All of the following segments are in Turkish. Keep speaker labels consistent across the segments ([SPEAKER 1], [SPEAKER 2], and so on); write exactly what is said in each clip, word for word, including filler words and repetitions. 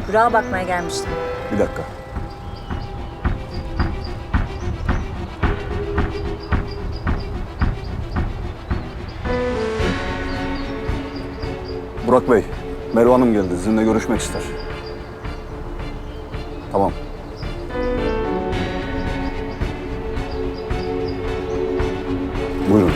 [SPEAKER 1] Burak'a bakmaya gelmiştim.
[SPEAKER 2] Bir dakika. Burak Bey, Merve Hanım geldi. Sizinle görüşmek ister. Tamam. Buyurun.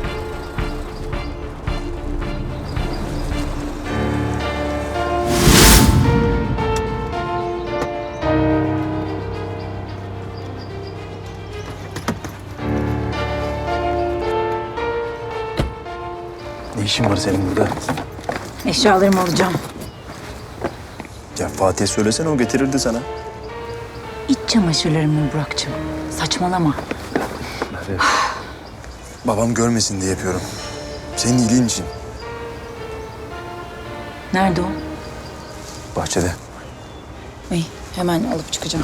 [SPEAKER 3] Ne işin var senin burada?
[SPEAKER 1] Eşyalarımı alacağım.
[SPEAKER 3] Ya Fatih'e söylesene, o getirirdi sana.
[SPEAKER 1] İç çamaşırlarımı Burak'cığım. Saçmalama.
[SPEAKER 3] Merve. Babam görmesin diye yapıyorum. Senin iyiliğin için.
[SPEAKER 1] Nerede o?
[SPEAKER 3] Bahçede.
[SPEAKER 1] İyi, hemen alıp çıkacağım.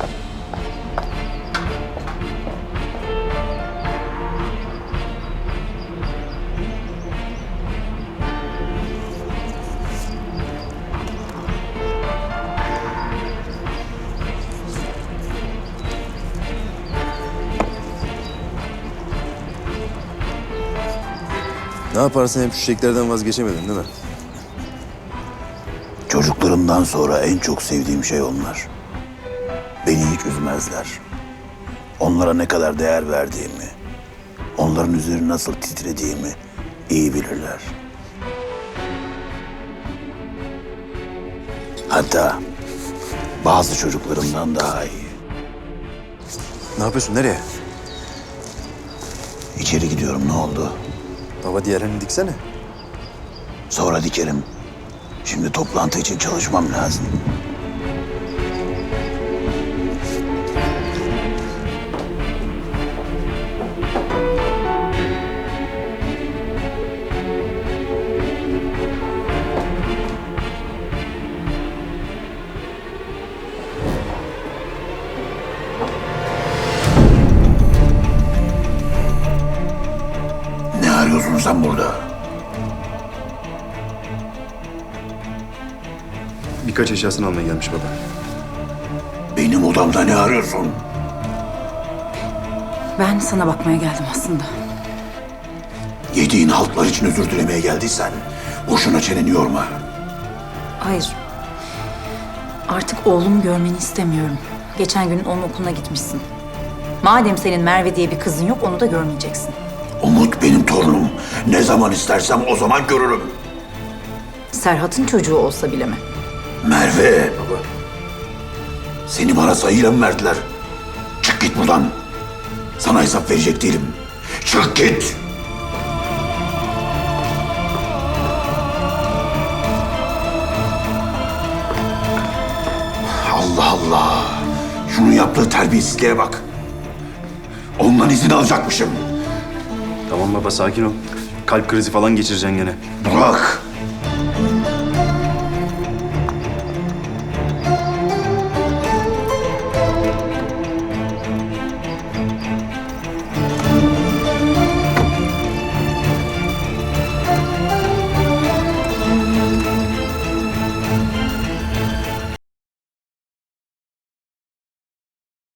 [SPEAKER 3] Ne yaparsın, hep şu çiçeklerden vazgeçemedin değil mi?
[SPEAKER 4] Çocuklarımdan sonra en çok sevdiğim şey onlar. Beni hiç üzmezler. Onlara ne kadar değer verdiğimi, onların üzeri nasıl titrediğimi iyi bilirler. Hatta bazı çocuklarımdan daha iyi.
[SPEAKER 3] Ne yapıyorsun, nereye?
[SPEAKER 4] İçeri gidiyorum, ne oldu?
[SPEAKER 3] Baba, diğerlerini diksene.
[SPEAKER 4] Sonra dikerim. Şimdi toplantı için çalışmam lazım. Ne arıyorsun sen burada?
[SPEAKER 3] Birkaç eşyasını almaya gelmiş baba.
[SPEAKER 4] Benim odamda ne arıyorsun?
[SPEAKER 1] Ben sana bakmaya geldim aslında.
[SPEAKER 4] Yediğin haltlar için özür dilemeye geldiysen boşuna çeneni yorma.
[SPEAKER 1] Hayır. Artık oğlumu görmeni istemiyorum. Geçen gün onun okuluna gitmişsin. Madem senin Merve diye bir kızın yok, onu da görmeyeceksin.
[SPEAKER 4] Umut benim torunum. Ne zaman istersem o zaman görürüm.
[SPEAKER 1] Serhat'ın çocuğu olsa bile mi?
[SPEAKER 4] Merve. Baba. Seni bana sayıyla mı verdiler? Çık git buradan. Sana hesap verecek değilim. Çık git. Allah Allah. Şunun yaptığı terbiyesizliğe bak. Ondan izin alacakmışım.
[SPEAKER 3] Tamam baba, sakin ol. Kalp krizi falan geçireceksin gene.
[SPEAKER 4] Bırak.